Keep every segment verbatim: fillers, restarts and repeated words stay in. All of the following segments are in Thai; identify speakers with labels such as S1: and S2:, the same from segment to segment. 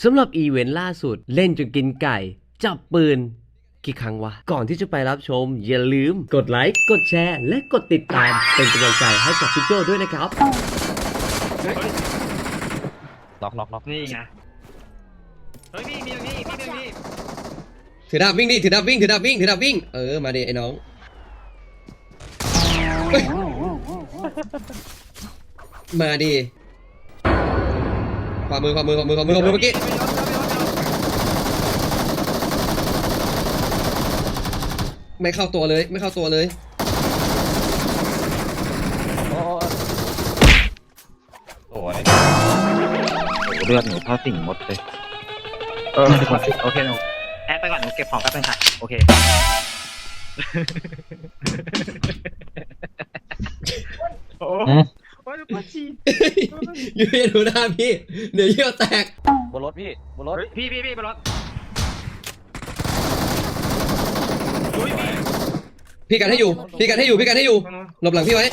S1: สำหรับอีเวนต์ล่าสุดเล่นจนกินไก่จับปืนกี่ครั้งวะก่อนที่จะไปรับชมอย่าลืมกดไลค์กดแชร์และกดติดตามเป็นกำลังใจให้กับพี่โจด้วยนะครับ
S2: ล็อกล็อกล็อก
S3: นี่ไงเฮ้ยพี่มีตรงนี้พี่ตรงนี้
S4: ถือดาบวิ่งดิถือดาบวิ่งถือดาบวิ่งถือดาบวิ่งเออมาดิไอ้น้องมาดิขวามือขวามือขวามือขวามือขวามือเมื่อกี้ไม่เข้าตัวเลยไม่เข้าตัวเลย
S2: โอ้ยเลือดหนูเท่าสิ่งมดเลยเออโอเคหนูแอดไปก่อนหนูเก็บของแป๊บนึงค่ะโอเค
S3: โอ้โอ้ยปวดฉี่
S4: ยืนดูหน้าพี่เดี๋ยวเยี่ยวแตก
S2: บนรถพี่บนรถ
S3: พี่พี่พี่บนรถ
S4: พี่กันให้อยู่พี่กันให้อยู่พี่กันให้อยู่หลบหลังพี่ไว้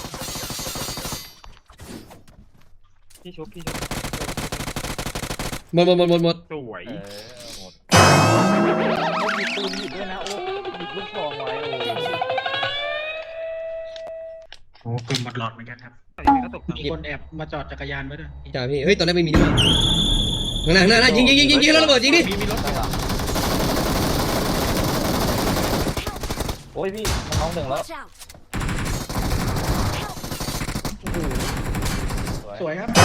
S3: พี่ชุบพี่ชุบ
S4: หมดหมดหมดหมดหมด
S3: สวย
S2: หมดมีปืนอยู่ด้วยนะโอ้หยิบลูกซองไว้โอ้
S3: โอ้ปืนหมดหลอดเหมือนกันครับมีคนแอบมาจอดจักรยานไว้ด้วย
S4: จ่าพี่เฮ้ยตอนแรกไม่มีด้วยข้างหน้าข้างหน้ายิงยิงยิงยิงยิงแล้วระเบิดยิงดิ
S3: มีรถ
S2: โอ้ยพี่น้องหนึ่งแล้ว
S3: สวยครับ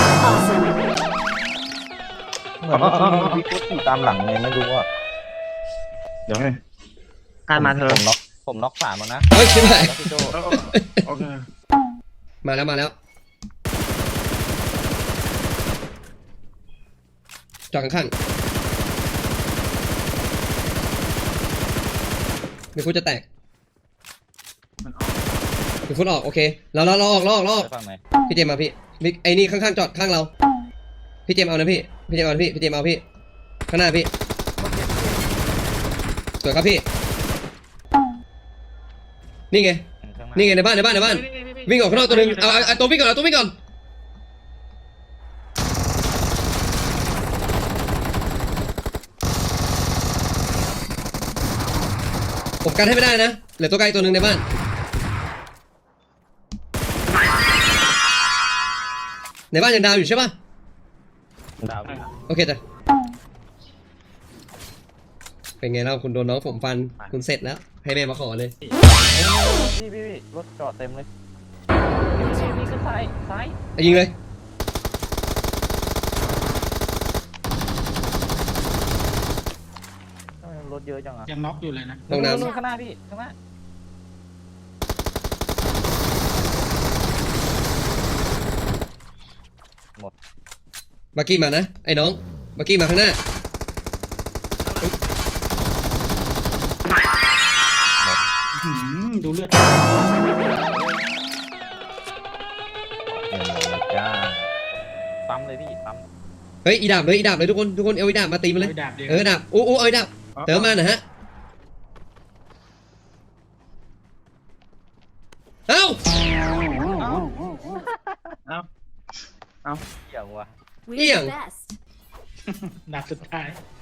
S2: เหมือนว่าพี่ก็ขี่ตามหลังไงไม่รู้ว่าเดี๋ยวให้
S3: การมาเธอ
S2: ผมน็อกผมน็อกสามแล้วนะ
S4: เฮ้ยใช่ไหม
S3: โอเค
S4: มาแล้วมาแล้วจอดข้างๆเดี๋ยวคุณจะแตกเดี๋ยวคุณออกโอเคเราเราเราออกเราออกเราออกพี่เจมมาพี่ไอ้นี่ข้างๆจอดข้างเราพี่เจมเอานะพี่พี่เจมเอาพี่พี่เจมเอาพี่ข้างหน้าพี่สวยครับพี่นี่ไงนี่ไงในบ้านในบ้านในบ้านวิ่งออกข้างนอกตัวนึงเอาเอาตัววิ่งก่อนเอาตัววิ่งก่อนผมกันให้ไม่ได้นะเหลือตัวไกลตัวหนึ่งในบ้านในบ้านยังดาวอยู่ใช่ป่ะ
S2: ดาว
S4: โอเคจ้ะเป็นไงเล่าคุณโดนน้องผมฟันคุณเสร็จแล้วให้แม่มาขอเลย
S2: พี่พี่พี่รถจอดเต็มเลยพี่ก็ซ้ายซ้าย
S4: ยิงเลย
S2: รถเยอะจังอ่ะ
S3: ยังน็อกอยู่เลยนะ
S4: ตรงนั้น
S2: ข้างหน้าพี่ข้างหน้าหมด
S4: บักกี้มานะไอ้น้องบักกี้มาข้างหน้า
S3: ดูเลือด
S2: จ้าปั๊มเลยพี่ปั๊ม
S4: เฮ้ยอีดาบเลยอีดาบเลยทุกคนทุกคนเอาอีดาบมาตีมันเลยเออดาบอู้อู้เอาอีดาบเติมมาหน่อยฮะเอ้า
S3: เอ้าเอ้า
S2: เอี่ยงว่ะ
S4: เอี่ยง
S3: นัดสุดท้าย